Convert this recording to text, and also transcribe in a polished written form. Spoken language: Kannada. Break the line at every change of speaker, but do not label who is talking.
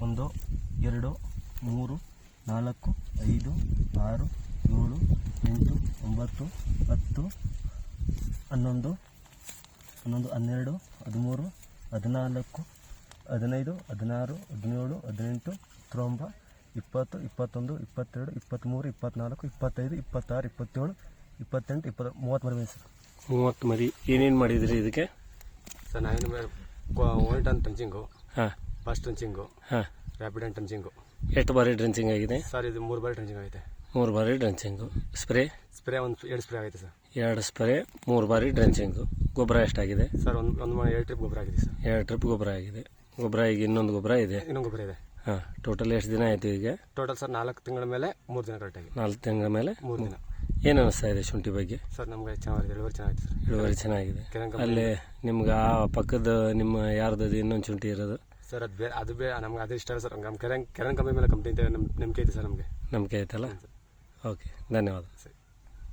1 2 3 4 5 6 7 8 9 10 11 12 13 14 15 16 17 18 19 20 21 22 23 24 25 26 27 28 30 ಮರಿ ಸರ್.
30 ಮರಿ. ಏನೇನು ಮಾಡಿದ್ರಿ ಇದಕ್ಕೆ
ಸರ್? ನಾವೇನು ಓಲ್ಡ್ ಅಂತ ಟಂಚಿಂಗು,
ಹಾಂ,
ಫಸ್ಟ್ ಟಂಚಿಂಗು,
ಹಾಂ,
ರ್ಯಾಪಿಡ್ ಅಂಡ್ ಟಂಚಿಂಗು.
ಎಷ್ಟು ಬಾರಿ ಡ್ರೆಂಚಿಂಗ್ ಆಗಿದೆ
ಸರ್? ಇದು 3 ಬಾರಿ ಟಂಚಿಂಗ್ ಆಗೈತೆ.
3 ಬಾರಿ ಡ್ರೆಂಚಿಂಗು. ಸ್ಪ್ರೇ
ಒಂದು 2 ಸ್ಪ್ರೇ ಆಗೈತೆ ಸರ್.
2 ಸ್ಪ್ರೇ, 3 ಬಾರಿ ಡ್ರೆಂಚಿಂಗು. ಗೊಬ್ಬರ ಎಷ್ಟಾಗಿದೆ
ಸರ್? ಒಂದು 2 ಟ್ರಿಪ್ ಗೊಬ್ಬರ ಆಗಿದೆ ಸರ್.
2 ಟ್ರಿಪ್ ಗೊಬ್ಬರ ಆಗಿದೆ. ಗೊಬ್ಬರ ಈಗ ಇನ್ನೊಂದು ಗೊಬ್ಬರ ಇದೆ.
ಇನ್ನೊಂದು ಗೊಬ್ಬರ ಇದೆ.
ಹಾಂ. ಟೋಟಲ್ ಎಷ್ಟು ದಿನ ಆಯಿತು ಈಗ?
ಟೋಟಲ್ ಸರ್ 4 ತಿಂಗಳ ಮೇಲೆ 3 ದಿನ ಕರೆಕ್ಟಾಗಿ.
4 ತಿಂಗಳ ಮೇಲೆ
3 ದಿನ.
ಏನು ಅನ್ನಿಸ್ತಾ ಇದೆ ಶುಂಠಿ ಬಗ್ಗೆ?
ಸರ್ ನಮಗೆ ಚೆನ್ನಾಗಿದೆ, ಇಳುವರಿ ಚೆನ್ನಾಗಿದೆ ಸರ್.
ಇಳುವರಿ ಚೆನ್ನಾಗಿದೆ. ಅಲ್ಲೇ ನಿಮ್ಗೆ ಆ ಪಕ್ಕದ ನಿಮ್ಮ ಯಾರ್ದು ಇನ್ನೊಂದು ಶುಂಠಿ ಇರೋದು
ಸರ್? ಅದು ಬೇರೆ ನಮ್ಗೆ ಅದು ಇಷ್ಟ ಅಲ್ಲ ಸರ್. ನಮ್ಮ ಕೆರೆನ್ ಕಂಪನಿ ಮೇಲೆ ಕಂಪ್ನಿ ನಂಬಿಕೆ ಐತೆ ಸರ್ ನಮಗೆ.
ನಂಬಿಕೆ ಐತಲ್ಲ? ಓಕೆ, ಧನ್ಯವಾದ.
ಸರಿ.